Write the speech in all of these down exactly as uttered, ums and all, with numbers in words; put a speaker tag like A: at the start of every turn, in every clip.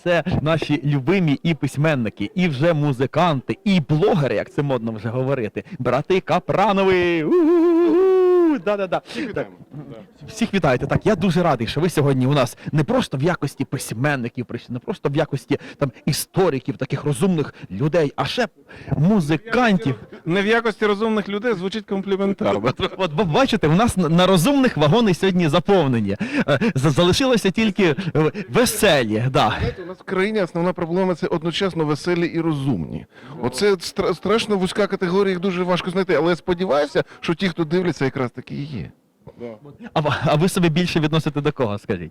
A: це наші любимі і письменники, і вже музиканти, і блогери, як це модно вже говорити. Брати Капранови! У-у-у-у! Да-да-да.
B: Всіх вітаємо. Да.
A: Всіх вітаєте. Так, я дуже радий, що ви сьогодні у нас не просто в якості письменників прийшли, не просто в якості там істориків, таких розумних людей, а ще музикантів.
B: Не в якості розумних людей звучить компліментарно.
A: От бо бачите, у нас на- на розумних вагони сьогодні заповнені. Е, за- Залишилося тільки е, веселі. Да.
C: Знаєте, у нас в країні основна проблема – це одночасно веселі і розумні. Оце стра- страшно вузька категорія, їх дуже важко знайти, але я сподіваюся, що ті, хто дивляться, якраз таки і є.
A: А, в- а ви себе більше відносите до кого, скажіть?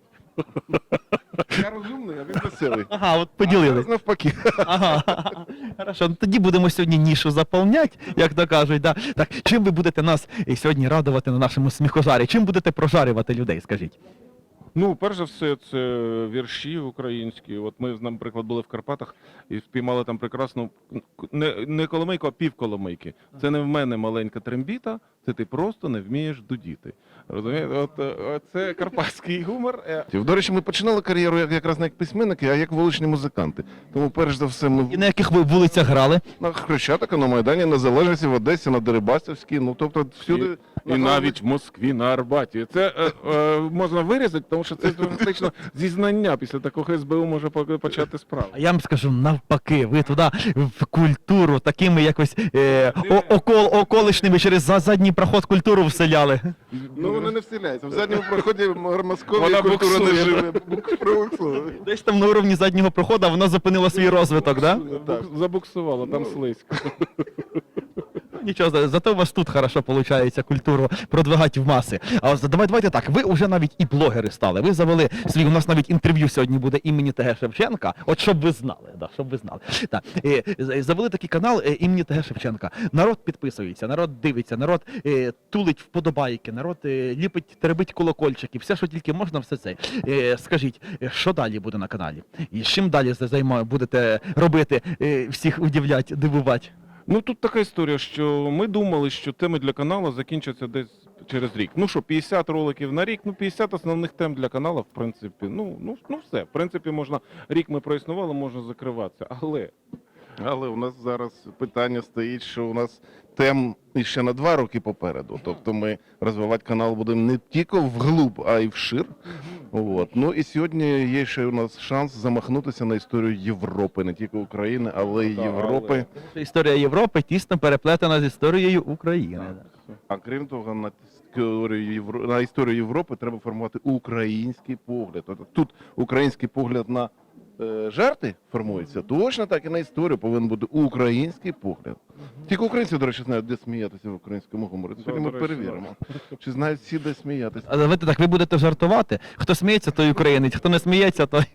C: Я розумний, а він веселий.
A: Ага, от поділились.
C: А, навпаки.
A: Ага. Хорошо, ну тоді будемо сьогодні нішу заповнять, як то кажуть. Да? Так, чим ви будете нас і сьогодні радувати на нашому сміхожарі? Чим будете прожарювати людей, скажіть?
B: Ну, перш за все, це вірші українські. От ми, наприклад, були в Карпатах і спіймали там прекрасну, не, не коломийку, а півколомийки. Це не в мене маленька трембіта, це ти просто не вмієш дудіти. Розумієте? От, от це карпатський гумор. Е,
C: До речі, ми починали кар'єру як- якраз не як письменники, а як вуличні музиканти. Тому перш за все
A: І
C: ми
A: на яких ви вулицях грали?
C: на Хрещатика, на Майдані, на Залежності, в Одесі, на Дерибасівській, ну тобто всюди.
B: І навіть в Москві, на Арбаті. Це е, е, можна вирізати, тому що це фактично зізнання. Після такого ес бе у може по- почати справу.
A: А я вам скажу навпаки, ви туди в культуру такими якось е, о- окол, околишними через за- задній проход культуру вселяли.
C: Ну вони не вселяються. В задньому проході Московії
B: Вона
C: культура не
B: буксує.
C: живе. Бук- пробуксує.
A: Десь там на уровні заднього проходу вона зупинила свій розвиток, да?
C: Так.
B: Забуксувало, там слизько.
A: Нічого, за- зато у вас тут хорошо виходить культуру продвигати в маси. А ось давай, давайте так, ви вже навіть і блогери стали. Ви завели свій, у нас навіть інтерв'ю сьогодні буде імені Т Г Шевченка. От щоб ви знали, да, щоб ви знали. Так, е, з- завели такий канал е, імені Т Г Шевченка. Народ підписується, народ дивиться, народ е, тулить вподобайки, народ е, ліпить, теребить колокольчики, все, що тільки можна, все це. Е, скажіть, е, що далі буде на каналі? І з чим далі займа, будете робити, е, всіх удивлять, дивувати?
B: Ну тут така історія, що ми думали, що теми для каналу закінчаться десь через рік. Ну що, п'ятдесят роликів на рік, ну п'ятдесят основних тем для каналу, в принципі, ну, ну, ну все. В принципі, можна, рік ми проіснували, можна закриватися. Але
C: Але у нас зараз питання стоїть, що у нас тем іще на два роки попереду. Тобто ми розвивати канал будемо не тільки вглуб, а й вшир. От. Ну і сьогодні є ще у нас шанс замахнутися на історію Європи, не тільки України, але й
B: Так,
C: Європи.
A: Історія Європи тісно переплетена з історією України.
C: А крім того, на історію, Євро... на історію Європи треба формувати український погляд. Тобто тут український погляд на е, жарти формується, точно так і на історію повинен бути український погляд. Тільки українці, до речі, знають, де сміятися в українському гуморі. Сьогодні ми
B: до речі,
C: перевіримо. Чи знають всі, де сміятися.
A: А ви так, ви будете жартувати? Хто сміється, той українець, хто не сміється, той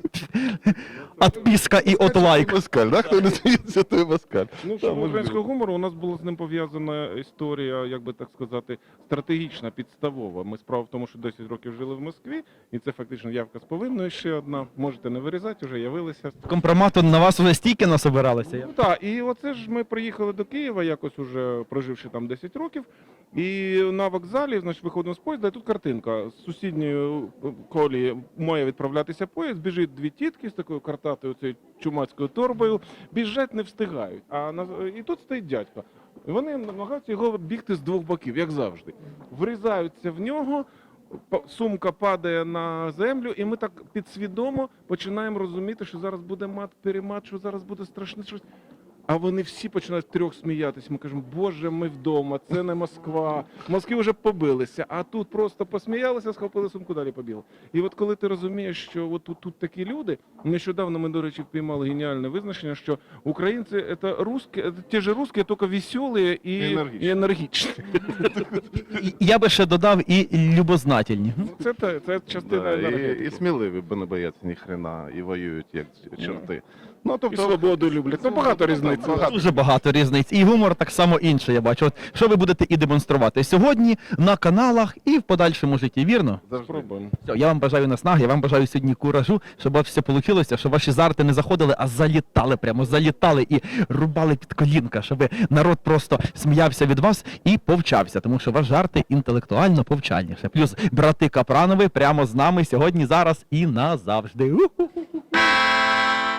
A: отписка і от лайк.
C: Москаль, да? Хто не сміється, той москаль.
B: ну,
C: Та,
B: що
C: можливо.
B: українського гумору, у нас була з ним пов'язана історія, як би так сказати, стратегічна, підставова. Ми справа в тому, що десять років жили в Москві, і це фактично явка з повинною ще одна. Можете не вирізати, вже явилися.
A: Компромату на вас вже стільки насобиралися.
B: Ну так, і оце ж ми приїхали до Києва, якось уже проживши там десять років, і на вокзалі, значить, виходимо з поїзда, і тут картинка. З сусідньої колії має відправлятися поїзд, біжить дві тітки з такою картатою, цією чумацькою торбою, біжать не встигають. А на... І тут стоїть дядько. І вони намагаються його бігти з двох боків, як завжди. Врізаються в нього, па- сумка падає на землю, і ми так підсвідомо починаємо розуміти, що зараз буде мат-перемат, що зараз буде страшне щось. А вони всі починають трьох сміятись. Ми кажемо, боже, ми вдома, це не Москва. В Москві вже побилися, а тут просто посміялися, схопили сумку, далі побігли. І от коли ти розумієш, що от тут, тут такі люди, нещодавно ми, до речі, впіймали геніальне визначення, що українці – це русські, це ті ж русські, тільки веселі і,
C: Енергічні.
B: і енергічні.
A: І- Я би ще додав і любознательні.
B: Ну, Це, те- це частина
C: Да, і,
B: енергетики.
C: і сміливі, бо не бояться ні хрена, і воюють як чорти. Ну,
B: І
C: тобто,
B: свободу люблять. Ну, багато різниць.
C: Багато.
A: Дуже багато різниць. І гумор так само інший, я бачу. От що ви будете і демонструвати сьогодні на каналах і в подальшому житті, вірно?
C: завжди.
B: Спробуємо.
A: Все, я вам бажаю наснаги, я вам бажаю сьогодні куражу, щоб у вас все вийшло, щоб ваші жарти не заходили, а залітали прямо, залітали і рубали під колінка, щоб народ просто сміявся від вас і повчався, тому що ваші жарти інтелектуально повчальніше. Плюс брати Капранови прямо з нами сьогодні, зараз і назавжди. У-ху-ху.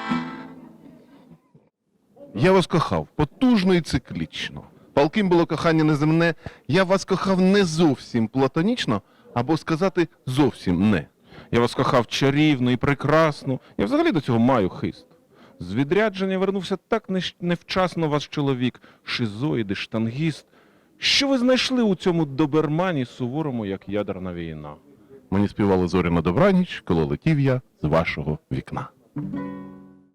C: Я вас кохав потужно і циклічно. Палким було кохання неземне, я вас кохав не зовсім платонічно, або сказати зовсім не.
B: Я вас кохав чарівно і прекрасно. Я взагалі до цього маю хист. З відрядження вернувся так нещ- невчасно ваш чоловік, шизоїд і штангіст. Що ви знайшли у цьому добермані суворому, як ядерна війна?
C: Мені співали зорі на добраніч, коли летів я з вашого вікна.